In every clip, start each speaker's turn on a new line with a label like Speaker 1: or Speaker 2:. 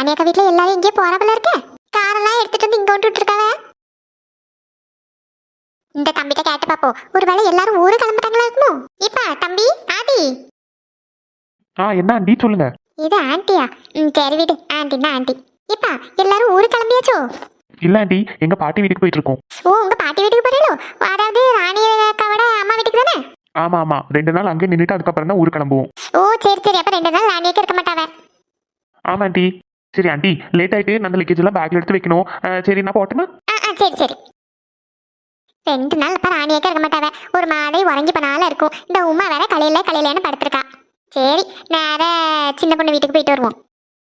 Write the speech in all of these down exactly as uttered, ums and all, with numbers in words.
Speaker 1: ராணியக்கா வீட்டுல எல்லாரும் இங்கே போறப்பல இருக்க காரெல்லாம் எடுத்துட்டு வந்து இங்க விட்டுட்டு இருக்காவ. இந்த தம்பிட்ட கேட்டு பாப்போம், ஒருவேளை எல்லாரும் ஊரு கிளம்பிட்டாங்களா இருக்குமோ. இப்ப தம்பி ஆண்டி.
Speaker 2: ஆ என்ன ஆண்டி சொல்லுங்க.
Speaker 1: இது ஆண்டியா? ம் சரி விடு, ஆண்டின்னா ஆண்டி. இப்ப எல்லாரும் ஊரு கிளம்பியாச்சோ?
Speaker 2: இல்ல ஆண்டி, எங்க பாட்டி வீட்டுக்கு போயிட்டு இருக்கோம்.
Speaker 1: ஓ உங்க பாட்டி வீட்டுக்கு போறீங்களோ? அதாவது ராணியக்காவோட அம்மா வீட்டுக்கு தானே?
Speaker 2: ஆமா ஆமா, ரெண்டு நாள் அங்கே நின்றுட்டு அதுக்கப்புறம் தான் ஊருக்கு கிளம்புவோம்.
Speaker 1: ஓ சரி சரி, அப்ப ரெண்டு நாள் ராணியக்கா இருக்க மாட்டாவ.
Speaker 2: ஆமா ஆண்டி. சரி ஆண்டி, லேட் ஆயிட்டு அந்த லக்கேஜ் எல்லாம் பேக்ல எடுத்து வைக்கணும். சரி நான் போட்டுமா?
Speaker 1: ஆ ஆ சரி சரி. ரெண்டு நாள் அப்ப ராணியக்கா இருக்க மாட்டாவ, ஒரு மாதிரி உறங்கி போனால இருக்கும். இந்த உமா வேற கலையில கலையிலன்னு படுத்திருக்கா. சரி நேர சின்ன பொண்ணு வீட்டுக்கு போயிட்டு வருவோம்.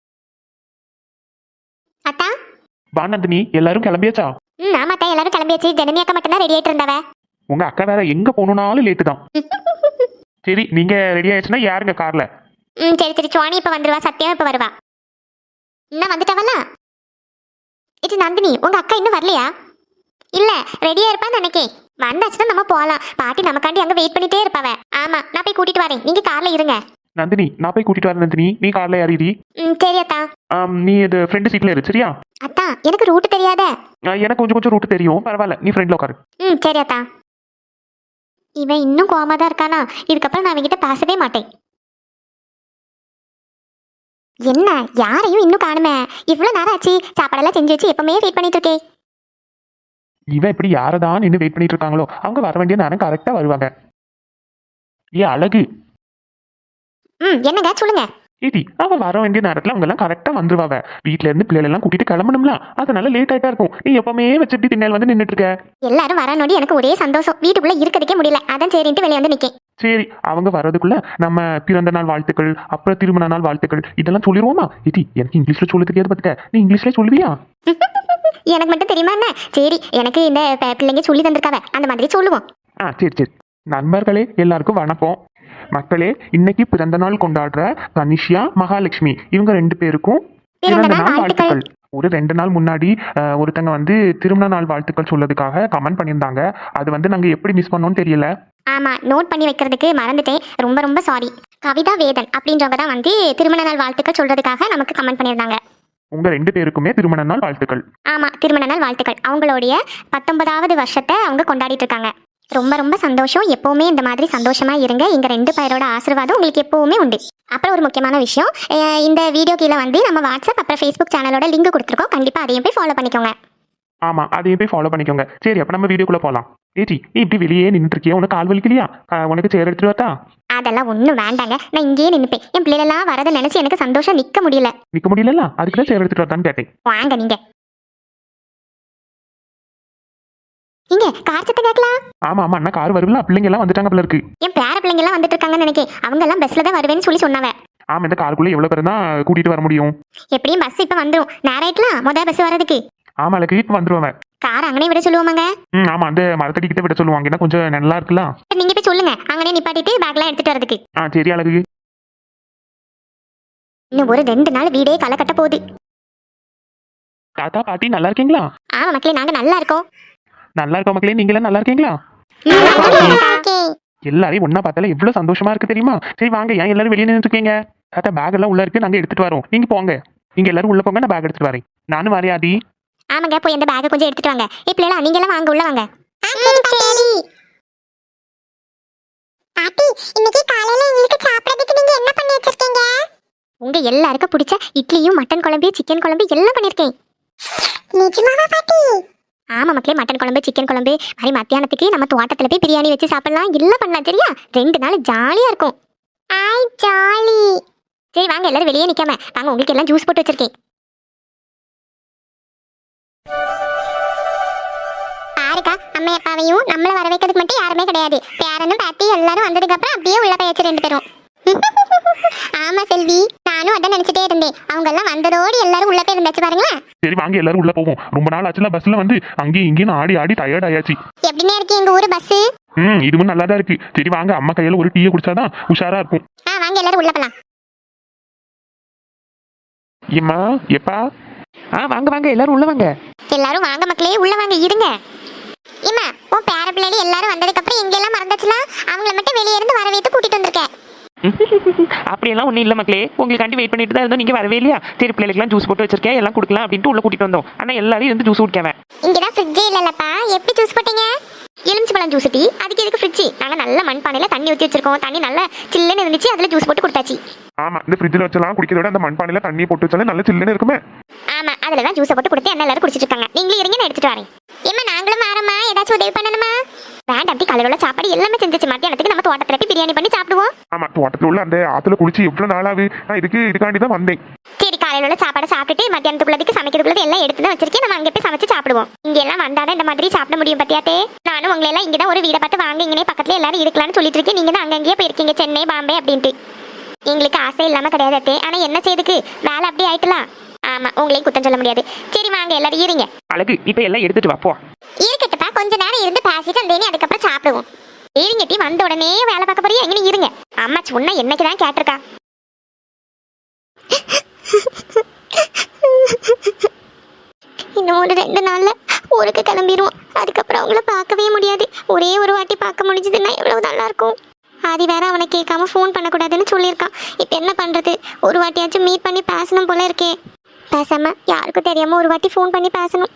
Speaker 1: அத்தா
Speaker 2: வா நந்தினி, எல்லாரும் கிளம்பியாச்சா?
Speaker 1: ம் ஆமாத்தா, எல்லாரும் கிளம்பியாச்சு. ஜனனி அக்கா மட்டும் தான் ரெடி ஆயிட்டு இருந்தாவ.
Speaker 2: உங்க அக்கா வேற எங்க போகணும்னாலும் லேட்டு தான். சரி நீங்க ரெடி ஆயிடுச்சுன்னா யாருங்க கார்ல?
Speaker 1: ம் சரி சரி, சுவாணி இப்ப வந்துருவா, சத்தியம் இப்ப வருவா. இன்னும் வந்துட்டாவல்ல? இது நந்தினி, உங்க அக்கா இன்னும் வரலையா? இல்ல ரெடியா இருப்பான்னு நினைக்கேன். வந்தாச்சுன்னா நம்ம போகலாம். பாட்டி நமக்காண்டி அங்க வெயிட் பண்ணிட்டே இருப்பாவ. ஆமா நான் போய் கூட்டிட்டு வரேன், நீங்க கார்ல இருங்க.
Speaker 2: நந்தினி நான் போய் கூட்டிட்டு வரேன். நந்தினி நீ கார்ல ஏறிடி.
Speaker 1: ம் சரி அத்தா.
Speaker 2: நீ இது ஃப்ரெண்டு சீட்ல இரு சரியா?
Speaker 1: அத்தா எனக்கு ரூட் தெரியாத.
Speaker 2: எனக்கு கொஞ்சம் கொஞ்சம் ரூட் தெரியும், பரவாயில்ல நீ ஃப்ரெண்ட்ல உட்காரு.
Speaker 1: ம் சரி அத்தா. இவன் இன்னும் கோவமா தான் இருக்கானா? இதுக்கப்புறம் நான் அவன்கிட்ட பேசவே மாட்டேன். என்ன யாரையும் இன்னும் காணுமே? இவ்வளவு நேரம் ஆச்சு, சாப்பாடெல்லாம் செஞ்சு வச்சு எப்பவுமே வெயிட் பண்ணிட்டு இருக்கேன்.
Speaker 2: இவன் இப்படி யாரதான் நின்று வெயிட் பண்ணிட்டு இருக்காங்களோ அவங்க வர வேண்டிய நேரம் கரெக்டா வருவாங்க. ஏ அழகு.
Speaker 1: ம் என்னங்க சொல்லுங்க.
Speaker 2: ஏடி அவன் வர வேண்டிய நேரத்துல அவங்க எல்லாம் கரெக்டா வந்துருவாங்க. வீட்டுல இருந்து பிள்ளைகள் எல்லாம் கூட்டிட்டு கிளம்பணும்ல, அதனால லேட் ஆயிட்டா இருக்கும். நீ எப்பவுமே வச்சுட்டு பின்னால் வந்து நின்றுட்டு இருக்க.
Speaker 1: எல்லாரும் வர நோடி எனக்கு ஒரே சந்தோஷம், வீட்டுக்குள்ள இருக்கிறதுக்கே முடியல, அதான் சரின்ட்டு வெளியே வந்து நிக்கேன்.
Speaker 2: சரி அவங்க வர்றதுக்குள்ள நம்ம பிறந்த நாள் வாழ்த்துக்கள், அப்புறம் திருமண நாள் வாழ்த்துக்கள் இதெல்லாம் சொல்லிடுவோமா? ஏடி எனக்கு இங்கிலீஷ்ல சொல்ல தெரியாது பாத்துக்க, நீ இங்கிலீஷ்ல சொல்லுவியா?
Speaker 1: எனக்கு மட்டும் தெரியுமா என்ன? சரி எனக்கு இந்த பிள்ளைங்க சொல்லி தந்திருக்காவ, அந்த மாதிரி சொல்லுவோம்.
Speaker 2: ஆ சரி சரி. நண்பர்களே எல்லாருக்கும் வணக்கம். மக்களே இன்னைக்கு பிறந்த நாள் கொண்டாடுற தனிஷ்யா மகாலட்சுமி இவங்க ரெண்டு பேருக்கும் பிறந்த நாள் வாழ்த்துக்கள். ஒரு ரெண்டு நாள் முன்னாடி ஒருத்தங்க வந்து திருமண நாள் வாழ்த்துக்கள் சொல்லதுக்காக கமெண்ட் பண்ணியிருந்தாங்க. அது வந்து நாங்க எப்படி மிஸ் பண்ணோம்னு தெரியல.
Speaker 1: ஆமா நோட் பண்ணி வைக்கிறதுக்கு மறந்துட்டேன், ரொம்ப ரொம்ப சாரி. கவிதா வேதன் அப்படின்றவங்க தான் வந்து திருமண நாள் வாழ்த்துக்கள் சொல்றதுக்காக நமக்கு கமெண்ட் பண்ணியிருந்தாங்க.
Speaker 2: உங்க ரெண்டு பேருக்குமே திருமண நாள் வாழ்த்துக்கள்.
Speaker 1: ஆமா திருமண நாள் வாழ்த்துக்கள். அவங்களுடைய பத்தொன்பதாவது வருஷத்தை அவங்க கொண்டாடிட்டு இருக்காங்க. ரொம்ப ரொம்ப சந்தோஷம். எப்பவுமே இந்த மாதிரி சந்தோஷமா இருங்க. எங்க ரெண்டு பேரோட ஆசீர்வாதம் உங்களுக்கு எப்பவுமே உண்டு. அப்புறம் ஒரு முக்கியமான விஷயம், இந்த வீடியோ கீழே வந்து நம்ம வாட்ஸ்அப் அப்புறம் ஃபேஸ்புக் சேனலோட லிங்க் கொடுத்துருக்கோம், கண்டிப்பா அதையும் போய் ஃபாலோ பண்ணிக்கோங்க.
Speaker 2: ஆமா அதையும் போய் ஃபாலோ பண்ணிக்கோங்க. சரி அப்ப நம்ம வீடியோக்குள்ள போலாம். ஏடி நீ இப்படி வெளியே நின்றுட்டு இருக்கியா? உனக்கு கால் வலிக்கலையா? உனக்கு சேர் எடுத்துட்டு வரட்டா?
Speaker 1: அதெல்லாம் ஒன்றும் வேண்டாங்க, நான் இங்கேயே நின்றுப்பேன். என் பிள்ளைலாம் வரதை நினைச்சு எனக்கு சந்தோஷம் நிக்க முடியல.
Speaker 2: நிக்க முடியல, அதுக்கு தான் சேர் எடுத்துட்டு வரதான்னு கேட்டேன்.
Speaker 1: வாங்க நீங்க இங்க கார் சத்தம் கேட்கலாம்.
Speaker 2: ஆமா ஆமா அண்ணா கார் வருவல, பிள்ளைங்க எல்லாம் வந்துட்டாங்க போல இருக்கு.
Speaker 1: என் பேர பிள்ளைங்க எல்லாம் வந்துட்டு இருக்காங்கன்னு நினைக்கிறேன். அவங்க எல்லாம் பஸ்ல தான் வருவேன்னு சொல்லி சொன்னாவ.
Speaker 2: ஆமா இந்த காருக்குள்ள எவ்வளவு பேர் தான் கூட்டிட்டு வர முடியும்?
Speaker 1: எப்படியும் பஸ் இப்ப வந்துரும், நேராயிட்டலாம் முத பஸ் வரதுக்கு.
Speaker 2: ஆமா அதுக்கு இப்ப வந்துருவாங்க.
Speaker 1: கார் அங்கனே விட சொல்லுவோமாங்க?
Speaker 2: ம் ஆமா அந்த மரத்தடி கிட்ட விட சொல்லுவாங்க, ஏன்னா கொஞ்சம் நல்லா இருக்குல்ல.
Speaker 1: நீங்க போய் சொல்லுங்க அங்கனே நிப்பாட்டிட்டு பேக்லாம் எடுத்துட்டு வரதுக்கு.
Speaker 2: ஆ சரி அழகு.
Speaker 1: இன்னும் ஒரு ரெண்டு நாள் வீடே களை கட்ட போகுது.
Speaker 2: தாத்தா பாட்டி நல்லா இருக்கீங்களா?
Speaker 1: ஆமா மக்களே நாங்க நல்லா இருக்கோம்.
Speaker 2: நல்லா இருக்கோம் மக்களே, நீங்க எல்லாம் நல்லா இருக்கீங்களா? எல்லாரையும் ஒன்னா பார்த்தால எவ்வளவு சந்தோஷமா இருக்கு தெரியுமா? சரி வாங்க, ஏன் எல்லாரும் வெளியே நின்று இருக்கீங்க? தாத்தா பேக் எல்லாம் உள்ள இருக்கு, நாங்க எடுத்துட்டு வரோம். நீங்க போங்க, நீங்க எல்லாரும் உள்ள போங்க, நான் பேக் எடுத்துட்டு வரேன். நானும் வரையாதி.
Speaker 1: ஆமாங்க போய் அந்த பேக்கை கொஞ்சம் எடுத்துட்டு வாங்க. இப்ப நீங்க எல்லாம் வாங்க உள்ள வாங்க. பாட்டி இன்னைக்கு காலையில உங்களுக்கு சாப்பிடுறதுக்கு நீங்க என்ன பண்ணி வச்சிருக்கீங்க? உங்க எல்லாருக்கும் பிடிச்ச இட்லியும் மட்டன் குழம்பு சிக்கன் குழம்பு எல்லாம் பண்ணிருக்கேன். நிஜமாவா பாட்டி? ஆமா மக்களே, மட்டன் குழம்பு சிக்கன் குழம்பு மாதிரி மத்தியானத்துக்கு நம்ம தோட்டத்துல போய் பிரியாணி வச்சு சாப்பிடலாம், எல்லாம் பண்ணலாம் சரியா? ரெண்டு நாள் ஜாலியா இருக்கும். ஐ ஜாலி. சரி வாங்க எல்லாரும் வெளியே நிக்காம வாங்க, உங்களுக்கு எல்லாம் ஜூஸ் போட்டு வச்சிருக்கேன். பாருக்கா அம்மா அப்பாவையும் நம்மள வர வைக்கிறதுக்கு மட்டும் யாருமே கிடையாது. பேரனும் பாட்டி எல்லாரும் வந்ததுக்கு அப்புறம் அப்படியே உள்ள போயாச்சு ரெண்டு பேரும். ஆமா செல்வி, நானும் அதான் நினைச்சிட்டே இருந்தேன். அவங்க எல்லாம் வந்ததோடு எல்லாரும் உள்ள போய் இருந்தாச்சு பாருங்களேன்.
Speaker 2: சரி வாங்க எல்லாரும் உள்ள போவோம். ரொம்ப நாள் ஆச்சுல பஸ்ல வந்து அங்கேயும் இங்கேயும் ஆடி ஆடி டயர்ட் ஆயாச்சு.
Speaker 1: எப்படினே இருக்கு எங்க ஊரு பஸ்?
Speaker 2: ம் இதுவும் நல்லா தான் இருக்கு. சரி வாங்க, அம்மா கையில ஒரு டீயை குடிச்சாதான் உஷாரா இருக்கும்.
Speaker 1: ஆ வாங்க எல்லாரும் உள்ள போலாம்.
Speaker 2: ஏம்மா எப்பா? ஆ வாங்க வாங்க எல்லாரும் உள்ள வாங்க.
Speaker 1: எல்லாரும் வாங்க மக்களே உள்ள வாங்க இருங்க. இம்மா உன் பேர பிள்ளைகள் எல்லாரும் வந்ததுக்கு அப்புறம் எங்க எல்லாம் மறந்துச்சுல, அவங்கள மட்டும் வெளியே இருந்து வர வைத்து கூட்டிட்டு வந்திருக்கேன்.
Speaker 2: அப்படி
Speaker 3: அப்படியெல்லாம் ஒன்றும் இல்லை மக்களே, உங்களுக்காண்டி வெயிட் பண்ணிட்டு தான் இருந்தோம். நீங்கள் வரவே இல்லையா? சரி பிள்ளைகளுக்குலாம் ஜூஸ் போட்டு வச்சிருக்கேன், எல்லாம் கொடுக்கலாம் அப்படின்ட்டு உள்ள கூட்டிட்டு வந்தோம். ஆனால் எல்லாரும் இருந்து ஜூஸ் குடிக்காம.
Speaker 1: இங்கதான் ஃப்ரிட்ஜே இல்லலப்பா, எப்படி ஜூஸ் போட்டீங்க? எலுமிச்சை பழம் ஜூஸ் டீ, அதுக்கு எதுக்கு ஃப்ரிட்ஜ்? நாங்க நல்ல மண்பானையில தண்ணி ஊற்றி வச்சிருக்கோம், தண்ணி நல்லா சில்லுன்னு இருந்துச்சு, அதுல ஜூஸ் போட்டு கொடுத்தாச்சு.
Speaker 2: ஆமா, இந்த ஃப்ரிட்ஜில் வச்சலாம் குடிக்கிறத விட அந்த மண்பானையில தண்ணியை போட்டு வச்சாலே நல்ல சில்லுன்னு இருக்குமே.
Speaker 1: ஆமா, அதுல தான் ஜூஸை போட்டு கொடுத்து என்ன எல்லாரும் குடிச்சிட்டு இருக்காங்க. நீங்களும் இருங்க, நான் எடுத்துட்டு வரேன். ஏமா நாங்களும் மாறமா, ஏதாச்சும் உதவி பண்ணணுமா? வேண்டாம், அப்படி கலரோட சாப்பாடு எல்லாமே செஞ்சிச்சு. மத்தியானத்துக்கு நம்ம தோட்டத்துல போய் பிரியாணி பண்ணி சாப்பிடுவோம்.
Speaker 2: ஆமா, தோட்டத்துல உள்ள அந்த ஆத்துல குளிச்சு எவ்வளவு நாளாவது நான் இதுக்கு இதுக்காண்டி தான் வந்தேன்.
Speaker 1: சரி, காலையில உள்ள சாப்பாடு சாப்பிட்டுட்டு மத்தியானத்துக்குள்ளதுக்கு சமைக்கிறதுக்குள்ளது எல்லாம் எடுத்து தான் வச்சிருக்கேன். நம்ம அங்கே போய் சமைச்சு சாப்பிடுவோம். இங்க எல்லாம் வந்தாதான் இந்த மாதிரி சாப்பிட முடியும் பத்தியாத்தே. நானும் உங்களை எல்லாம் இங்கதான் ஒரு வீடை பார்த்து வாங்க, இங்கே பக்கத்துல எல்லாரும் இருக்கலாம்னு சொல்லிட்டு இருக்கேன். நீங்க தான் அங்கங்கேயே போயிருக்கீங்க, சென்னை பாம்பே அப்படின்ட்டு. எங்களுக்கு ஆசை இல்லாம கிடையாது, ஆனா என்ன செய்யுதுக்கு வேலை அப்படி ஆயிட்டலாம். ஆமா, உங்களையும் குத்தம் சொல்ல முடியாது. சரி வாங்க எல்லாரும் இருங்க.
Speaker 3: அழகு, இப்போ எல்லாம் எடுத்துட்டு வாப்போ.
Speaker 1: இருக்கட்டப்பா, கொஞ்ச நேரம் இருந்து பேசிட்டு வந்தேனே, அதுக்கப்புறம் சாப்பிடுவோம். இருங்க டீ, வந்த உடனே வேலை பார்க்க போறியா? எங்க இருங்க. அம்மா சொன்னா என்னைக்குதான் கேட்டிருக்கா. இன்னும் ஒரு ரெண்டு நாள்ல ஊருக்கு கிளம்பிடுவோம். அதுக்கப்புறம் அவங்கள பார்க்கவே முடியாது. ஒரே ஒரு வாட்டி பார்க்க முடிஞ்சதுன்னா எவ்வளவு நல்லா இருக்கும். ஆதி வேற அவனை கேட்காம ஃபோன் பண்ணக்கூடாதுன்னு சொல்லியிருக்கான். இப்போ என்ன பண்றது? ஒரு வாட்டியாச்சும் மீட் பண்ணி பேசணும் போல இருக்கே. பேசாம யாருக்கும் தெரியாம ஒரு வாட்டி ஃபோன் பண்ணி பேசணும்.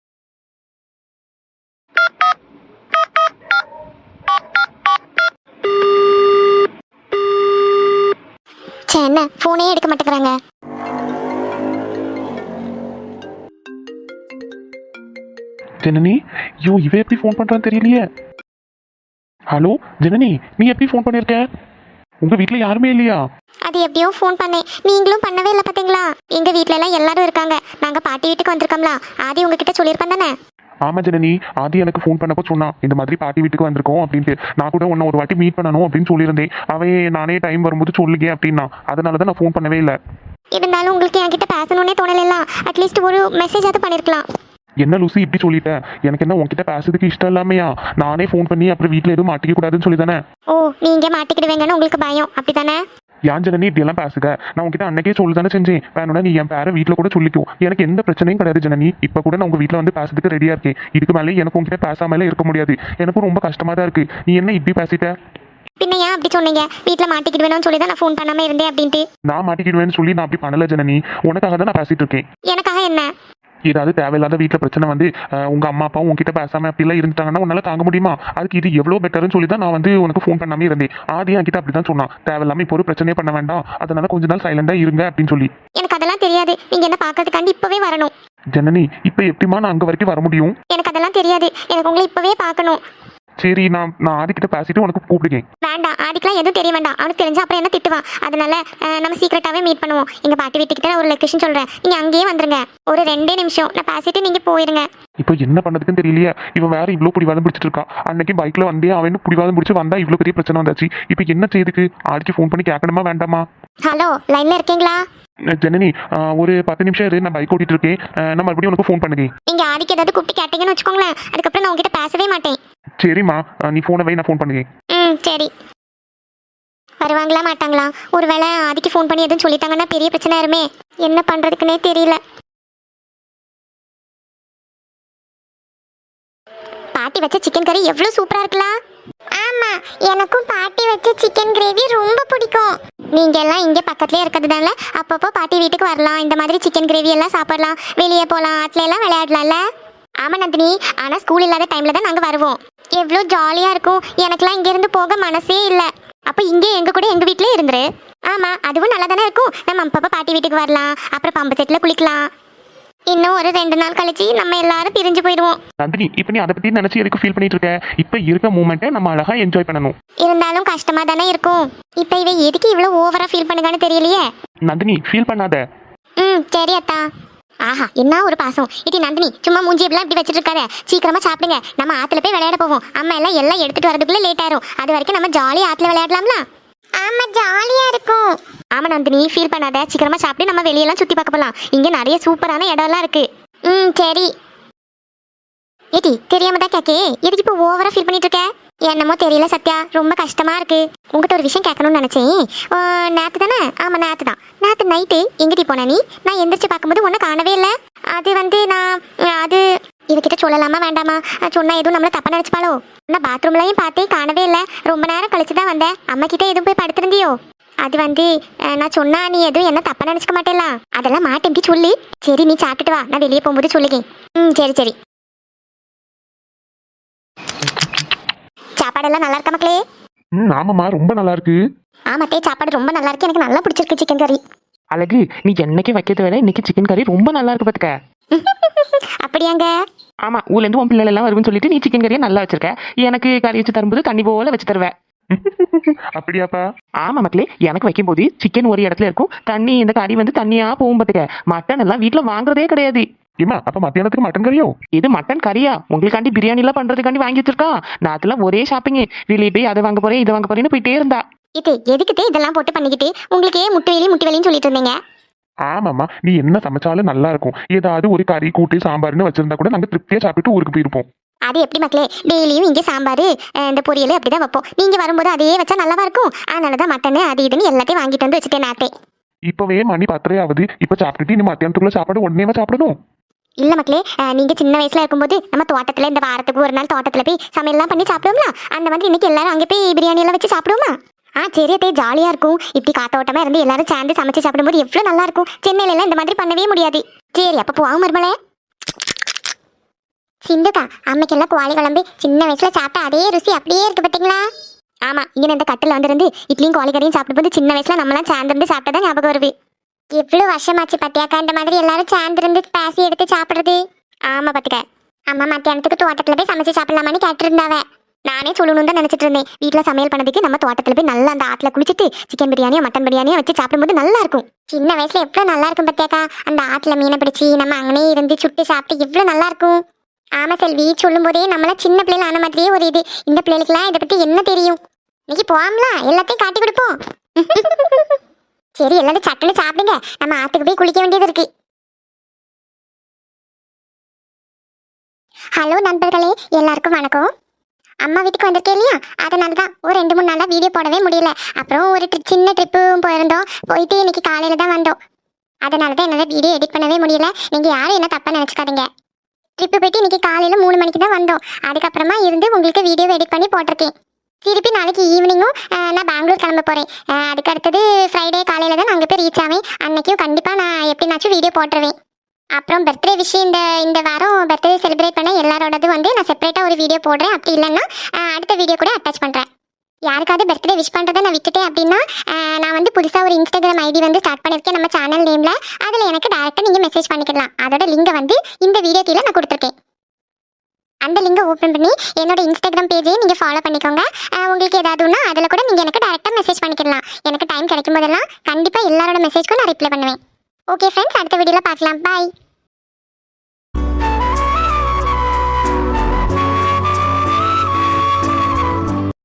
Speaker 1: சே, என்ன ஃபோனே எடுக்க மாட்டேங்கிறாங்க.
Speaker 2: ஜனனி, ஐயோ இவ எப்படி ஃபோன் பண்றான்னு தெரியலையே. ஹலோ ஜனனி, நீ எப்படி ஃபோன் பண்ணிருக்க? உங்க வீட்ல யாருமே இல்லையா?
Speaker 1: அது எப்படியோ ஃபோன் பண்ணேன், நீங்களும் பண்ணவே இல்லை பாத்தீங்களா? எங்க வீட்ல எல்லாம் எல்லாரும் இருக்காங்க. நாங்க பாட்டி வீட்டுக்கு வந்திருக்கோம்ல, ஆதி உங்ககிட்ட சொல்லியிருப்பேன் தானே?
Speaker 2: ஆமா ஜனனி, ஆதி எனக்கு ஃபோன் பண்ணப்போ சொன்னான் இந்த மாதிரி பாட்டி வீட்டுக்கு வந்திருக்கோம் அப்படின்ட்டு. நான் கூட உன்னை ஒரு வாட்டி மீட் பண்ணணும் அப்படின்னு சொல்லியிருந்தேன். அவன் நானே டைம் வரும்போது சொல்லுங்க அப்படின்னா, அதனால தான் நான் ஃபோன் பண்ணவே இல்லை.
Speaker 1: இருந்தாலும் உங்களுக்கு என்கிட்ட பேசணும்னே தோணல. அட்லீஸ்ட் ஒரு மெசேஜ் ஆவது பண்ணிருக்கலாம்.
Speaker 2: என்ன லூசி இப்படி சொல்லிட்டேன்? எனக்கு என்ன உன்கிட்ட பேசுறதுக்கு இஷ்டம் இல்லாமையா? நானே ஃபோன் பண்ணி அப்புறம் வீட்டில் எதுவும் மாட்டிக்க கூடாதுன்னு சொல்லி தானே.
Speaker 1: ஓ, நீங்க மாட்டிக்கிடுவீங்கன்னு உங்களுக்கு பயம் அப்படித்தானே?
Speaker 2: ஏன் ஜனனி இப்படி எல்லாம் பேசுக? நான் உங்ககிட்ட அன்னைக்கே சொல்லி தானே செஞ்சேன். வேணும்னா நீ என் பேரை வீட்டில் கூட சொல்லிக்கும், எனக்கு எந்த பிரச்சனையும் கிடையாது ஜனனி. இப்போ கூட நான் உங்க வீட்டில் வந்து பேசுறதுக்கு ரெடியா இருக்கேன். இதுக்கு மேலே எனக்கு உங்ககிட்ட பேசாமலே இருக்க முடியாது. எனக்கும் ரொம்ப கஷ்டமா தான் இருக்கு. நீ என்ன இப்படி பேசிட்ட?
Speaker 1: பின்ன ஏன் அப்படி சொன்னீங்க? வீட்டில் மாட்டிக்கிடுவேணும்னு சொல்லி தான் நான் ஃபோன் பண்ணாம இருந்தேன் அப்படின்ட்டு.
Speaker 2: நான் மாட்டிக்கிடுவேன்னு சொல்லி நான் அப்படி பண்ணல ஜனனி. உனக்காக தான் நான் பேசிட்டு இருக்கேன்.
Speaker 1: எனக்காக என்ன?
Speaker 2: ஏதாவது தேவையில்லாத வீட்டில் பிரச்சனை வந்து உங்க அம்மா அப்பாவும் உங்ககிட்ட பேசாம அப்படிலாம் இருந்துட்டாங்கன்னா உன்னால தாங்க முடியுமா? அதுக்கு இது எவ்வளோ பெட்டர்னு சொல்லி தான் நான் வந்து உனக்கு ஃபோன் பண்ணாமே இருந்தேன். ஆதி என்கிட்ட அப்படி தான் சொன்னான், தேவையில்லாம இப்போ ஒரு பிரச்சனையே பண்ண வேண்டாம், அதனால கொஞ்ச நாள் சைலண்டா இருங்க அப்படின்னு சொல்லி.
Speaker 1: எனக்கு அதெல்லாம் தெரியாது. நீங்க என்ன பார்க்கறதுக்காண்டி இப்பவே வரணும்.
Speaker 2: ஜனனி, இப்போ எப்படிமா நான் அங்கே வரைக்கும் வர முடியும்?
Speaker 1: எனக்கு அதெல்லாம் தெரியாது. எனக்கு உங்களை இப்பவே பார்க்கணும்.
Speaker 2: சரி, நான் நான் ஆதிக்கிட்ட பேசிட்டு உனக்கு கூப்பிடுங்க.
Speaker 1: வேண்டாம், ஆதிக்கெல்லாம் எதுவும் தெரிய வேண்டாம். அவனுக்கு தெரிஞ்சா அப்புறம் என்ன திட்டுவான். அதனால நம்ம சீக்கிரட்டாவே மீட் பண்ணுவோம். எங்க பாட்டி வீட்டுக்கிட்ட ஒரு லொகேஷன் சொல்றேன், நீங்க அங்கேயே வந்துருங்க. ஒரு ரெண்டே நிமிஷம் நான் பேசிட்டு நீங்க போயிருங்க.
Speaker 2: இப்போ என்ன பண்ணதுக்குன்னு தெரியலையே. இவன் வேற இவ்வளோ பிடிவாதம் பிடிச்சிட்டு இருக்கா. அன்னைக்கு பைக்ல வந்தே அவன் பிடிவாதம் பிடிச்சி வந்தா இவ்வளோ பெரிய பிரச்சனை வந்தாச்சு. இப்போ என்ன செய்யுதுக்கு? ஆதிக்கு ஃபோன் பண்ணி கேட்கணுமா வேண்டாமா?
Speaker 1: ஹலோ, லைன்ல இருக்கீங்களா?
Speaker 2: ஜனனி, ஒரு பத்து நிமிஷம் இரு, நான் பைக் ஓட்டிட்டு இருக்கேன். நான் மறுபடியும் உனக்கு ஃபோன் பண்ணுங்க.
Speaker 1: நீங்க ஆதிக்கு ஏதாவது கூப்பிட்டு கேட்டீங்கன்னு வச்சுக்கோங்களேன், அதுக்கப்புறம் நான் உங்ககிட்ட பேசவே மாட்டேன்.
Speaker 2: சரிம்மா, நீ ஃபோனை வை, நான் ஃபோன் பண்ணுங்க.
Speaker 1: ம் சரி. வருவாங்களா மாட்டாங்களா? ஒருவேளை ஆதிக்கு ஃபோன் பண்ணி எதுவும் சொல்லிட்டாங்கன்னா பெரிய பிரச்சனை ஆயிருமே. என்ன பண்றதுக்குன்னே தெரியல. பாட்டி வச்ச சிக்கன் கறி எவ்வளவு சூப்பரா இருக்கலாம். ஆமா, எனக்கும் பாட்டி வச்ச சிக்கன் கிரேவி ரொம்ப பிடிக்கும். நீங்க எல்லாம் இங்க பக்கத்துலயே இருக்கிறதுனால அப்பப்போ பாட்டி வீட்டுக்கு வரலாம். இந்த மாதிரி சிக்கன் கிரேவி எல்லாம் சாப்பிடலாம், வெளியே போகலாம், ஆட்ல எல்லாம் விளையாடலாம்ல. ஆமா நந்தினி, ஆனா ஸ்கூல் இல்லாத டைம்ல தான் நாங்க வருவோம். எவ்வளோ ஜாலியா இருக்கும். எனக்கெல்லாம் இங்க இருந்து போக மனசே இல்லை. அப்ப இங்கே எங்க கூட எங்க வீட்லயே இருந்துரு. ஆமா, அதுவும் நல்லா தானே இருக்கும். நம்ம அப்பப்போ பாட்டி வீட்டுக்கு வரலாம், அப்புறம் பம்பு செட்ல குளிக்கலாம். இன்னும் ஒரு ரெண்டு நாள் கழிச்சு நம்ம எல்லாரும் பிரிஞ்சு போயிடுவோம்.
Speaker 2: நந்தினி, இப்போ நீ அதை பத்தி நினைச்சு எதுக்கு ஃபீல் பண்ணிட்டு இருக்க? இப்போ இருக்க மூமெண்ட்டை நம்ம அழகா என்ஜாய் பண்ணணும்.
Speaker 1: இருந்தாலும் கஷ்டமா தானே இருக்கும். இப்போ இவ எதுக்கு இவ்வளவு ஓவரா ஃபீல் பண்ணுగాன்னு தெரியலையே.
Speaker 2: நந்தினி, ஃபீல் பண்ணாத.
Speaker 1: ம் சரி அத்தா. ஆஹா, என்ன ஒரு பாசம். இடி நந்தினி, சும்மா மூஞ்சி எப்படிலாம் இப்படி வச்சுட்டு இருக்காத. சீக்கிரமா சாப்பிடுங்க, நம்ம ஆத்துல போய் விளையாட போவோம். அம்மா எல்லாம் எல்லாம் எடுத்துட்டு வரதுக்குள்ள லேட் ஆயிரும். அது வரைக்கும் நம்ம ஜாலியா ஆத்துல விளையாடலாம்ல. ஆமா, ஜாலியா இருக்கும். ஆமா நந்தினி, ஃபீல் பண்ணாத. சீக்கிரமா சாப்பிட்டு நம்ம வெளியெல்லாம் சுத்தி பார்க்க போலாம். இங்க நிறைய சூப்பரான இடம்லாம் இருக்கு. ம் சரி. ஏடி, தெரியாம தான் கேக்கே, எதுக்கு இப்போ ஓவரா ஃபீல் பண்ணிட்டு இருக்க? என்னமோ தெரியல சத்யா, ரொம்ப கஷ்டமா இருக்கு. உங்ககிட்ட ஒரு விஷயம் கேட்கணும்னு நினைச்சேன். நேற்று தானே? ஆமா நேற்று தான். நேற்று நைட்டு எங்கிட்டி போன நீ? நான் எந்திரிச்சு பார்க்கும்போது ஒன்றும் காணவே இல்லை. அது வந்து நான் அது இவகிட்ட சொல்லலாமா வேண்டாமா? சொன்னா எதுவும் நம்மள தப்பா நினைச்சுப்பாளோ? நான் பாத்ரூம்லையும் பார்த்தே காணவே இல்லை. ரொம்ப நேரம் கழிச்சு தான் வந்தேன். அம்மா கிட்ட எதுவும் போய் படுத்திருந்தியோ? அது வந்து அஹ், நான் சொன்னா நீ எதுவும் என்ன தப்பா நினைச்சுக்க மாட்டேல. அதெல்லாம் மாட்டேன்டி சொல்லு. சரி நீ சாப்பிட்டுட்டு வா, நான் வெளியே போகும்போது சொல்லுங்க. ம் சரி சரி. சாப்பாடெல்லாம் நல்லா இருக்கா மக்களே?
Speaker 2: ம் ஆமாம்மா, ரொம்ப நல்லா இருக்கு.
Speaker 1: ஆமாத்தே, சாப்பாடு ரொம்ப நல்லா இருக்கு. எனக்கு நல்லா பிடிச்சிருக்கு சிக்கன் கறி.
Speaker 3: அழகு, நீ என்னைக்கு வைக்கிறத விட இன்னைக்கு சிக்கன் கறி ரொம்ப நல்லா இருக்கு பாத்துக்க.
Speaker 1: அப்படியாங்க?
Speaker 3: ஆமா, ஊர்ல இருந்து உன் பிள்ளைகள் எல்லாம் வரும்னு சொல்லிட்டு நீ சிக்கன் கறியை நல்லா வச்சிருக்க. எனக்கு கறி வச்சு தரும்போது தண்ணி போல வச்சு தருவேன்.
Speaker 2: அப்படியாப்பா?
Speaker 3: ஆமா மக்களே, எனக்கு வைக்கும் போது சிக்கன் ஒரு இடத்துல இருக்கும், தண்ணி இந்த கறி வந்து தண்ணியா போகும் பாத்துக்க. மட்டன் எல்லாம் வீட்டுல வாங்குறதே கிடையாது.
Speaker 2: ஏமா அப்ப மத்தியானத்துக்கு மட்டன் கறியோ?
Speaker 3: இது மட்டன் கறியா? உங்களுக்காண்டி பிரியாணி எல்லாம் பண்றதுக்காண்டி வாங்கி வச்சிருக்கா. நான் அதெல்லாம் ஒரே ஷாப்பிங், வெளியே போய் அதை வாங்க போறேன் இதை வாங்க போறேன்னு போயிட்டே இருந்தா.
Speaker 1: இது எதுக்குதே இதெல்லாம் போட்டு பண்ணிக்கிட்டு உங்களுக்கு முட்டு வேலி முட்டு வேலின்னு சொல்லிட்டு இருந்தீங்க.
Speaker 2: ஆமாம்மா, நீ என்ன சமைச்சாலும் நல்லா இருக்கும். ஏதாவது ஒரு கறி கூட்டு சாம்பார்னு வச்சிருந்தா கூட நாங்க திருப்தியா சாப்பிட்டு ஊருக்கு போயிருப்போம்.
Speaker 1: அது எப்படி மக்களே, டெய்லியும் இங்கே சாம்பார் இந்த பொரியல் அப்படிதான் வைப்போம். நீங்க வரும்போது அதே வச்சா நல்லாவா இருக்கும்? அதனாலதான் மட்டன் அது இதுன்னு எல்லாத்தையும் வாங்கிட்டு வந்து வச்சுட்டேன் நேரத்தை.
Speaker 2: இப்பவே மணி பத்தரை ஆகுது. இப்ப சாப்பிட்டுட்டு நீ மத்தியானத்துக்குள்ள சாப்பாடு உடனேவா சாப்பிடணும்?
Speaker 1: இல்ல மக்களே, அஹ், நீங்க சின்ன வயசுல இருக்கும்போது நம்ம தோட்டத்துல இந்த வாரத்துக்கு ஒரு நாள் தோட்டத்துல போய் சமையல்லாம் பண்ணி சாப்பிடுவோம்ல. அந்த மாதிரி இன்னைக்கு எல்லாரும் அங்கே போய் பிரியாணி எல்லாம் வச்சு சாப்பிடுவோமா? ஆ சரி அதே ஜாலியா இருக்கும். இப்படி காத்தோட்டமா இருந்து எல்லாரும் சேர்ந்து சமைச்சு சாப்பிடும்போது எவ்வளவு நல்லா இருக்கும். சென்னையில எல்லாம் இந்த மாதிரி பண்ணவே முடியாது. சரி அப்ப போவாங்க மருமலே. சிந்துக்கா, அம்மைக்கெல்லாம் கோழி குழம்பு சின்ன வயசுல சாப்பிட்ட அதே ருசி அப்படியே இருக்கு பாத்தீங்களா? ஆமா, இங்க இந்த கட்டில வந்திருந்து இட்லியும் கோழி கறியும் சாப்பிடும்போது சின்ன வயசுல நம்மளாம் சேர்ந்து சாப்பிட்டதான் ஞாபகம் வருது. எவ்வளவு வருஷமாச்சு பத்தியாக்கா இந்த மாதிரி எல்லாரும் சேர்ந்து பேசி எடுத்து சாப்பிடுறது. ஆமா பாத்துக்க, அம்மா மத்தியானத்துக்கு தோட்டத்துல போய் சமைச்சு சாப்பிடலாமான்னு கேட்டிருந்தாவ. நானே சொல்லணும் தான் நினைச்சிட்டு இருந்தேன். வீட்டுல சமையல் பண்ணதுக்கு நம்ம தோட்டத்துல போய் நல்லா அந்த ஆத்துல குளிச்சுட்டு சிக்கன் பிரியாணியோ மட்டன் பிரியாணியோ வச்சு சாப்பிடும்போது நல்லா இருக்கும். சின்ன வயசுல எவ்வளவு நல்லா இருக்கும் பத்தியாக்கா. அந்த ஆத்துல மீனை பிடிச்சி நம்ம அங்கனே இருந்து சுட்டு சாப்பிட்டு எவ்வளவு நல்லா இருக்கும். ஆமா செல்வி, சொல்லும் போதே நம்மள சின்ன பிள்ளைல ஆன மாதிரியே ஒரு இது. இந்த பிள்ளைகளுக்குலாம் இதை பத்தி என்ன தெரியும்? இன்னைக்கு போவாங்களா, எல்லாத்தையும் காட்டி கொடுப்போம். சரி எல்லாரும் சட்டுன்னு சாப்பிடுங்க, நம்ம ஆத்துக்கு போய் குளிக்க வேண்டியது இருக்கு. ஹலோ நண்பர்களே, எல்லாருக்கும் வணக்கம். அம்மா வீட்டுக்கு வந்திருக்கேன் இல்லையா, அதனால தான் ஒரு ரெண்டு மூணு நாளாக வீடியோ போடவே முடியல. அப்புறம் ஒரு ட்ரி சின்ன ட்ரிப்பும் போயிருந்தோம். போயிட்டு இன்னைக்கு காலையில் தான் வந்தோம். அதனால தான் என்னால் வீடியோ எடிட் பண்ணவே முடியல. நீங்கள் யாரும் என்ன தப்பாக நினச்சிக்காதீங்க. ட்ரிப்பு போயிட்டு இன்னைக்கு காலையில் மூணு மணிக்கு தான் வந்தோம். அதுக்கப்புறமா இருந்து உங்களுக்கு வீடியோ எடிட் பண்ணி போட்டிருக்கேன். திருப்பி நாளைக்கு ஈவினிங்கும் நான் பெங்களூர் கிளம்ப போகிறேன். அதுக்கு அடுத்தது ஃப்ரைடே காலையில் தான் நான் அங்கே போய் ரீச் ஆவேன். அன்னைக்கும் கண்டிப்பாக நான் எப்படினாச்சும் வீடியோ போட்டுருவேன். அப்புறம் பர்த்டே விஷயம் இந்த இந்த வாரம் பர்த்டே செலிப்ரேட் பண்ண எல்லாரோடது வந்து நான் செப்பரேட்டாக ஒரு வீடியோ போடுறேன். அப்படி இல்லைன்னா அடுத்த வீடியோ கூட அட்டாச் பண்ணுறேன். யாருக்காவது பர்த்டே விஷ் பண்ணுறதை நான் விட்டுட்டேன் அப்படின்னா நான் வந்து புதுசாக ஒரு இன்ஸ்டாகிராம் ஐடி வந்து ஸ்டார்ட் பண்ணியிருக்கேன் நம்ம சேனல் நேமில். அதில் எனக்கு டேரெக்டாக நீங்கள் மெசேஜ் பண்ணிக்கலாம். அதோட லிங்கை வந்து இந்த வீடியோ கீழே நான் கொடுத்துருக்கேன். அந்த லிங்கை ஓப்பன் பண்ணி என்னோட இன்ஸ்டாகிராம் பேஜையும் நீங்கள் ஃபாலோ பண்ணிக்கோங்க. உங்களுக்கு ஏதாவதுன்னா அதில் கூட நீங்கள் எனக்கு டேரெக்டாக மெசேஜ் பண்ணிக்கலாம். எனக்கு டைம் கிடைக்கும் போதெல்லாம் கண்டிப்பாக எல்லாரோட மெசேஜ்க்கும் நான் ரிப்ளை பண்ணுவேன். ஓகே ஃப்ரெண்ட்ஸ், அடுத்த வீடியோவில் பார்க்கலாம். பாய்.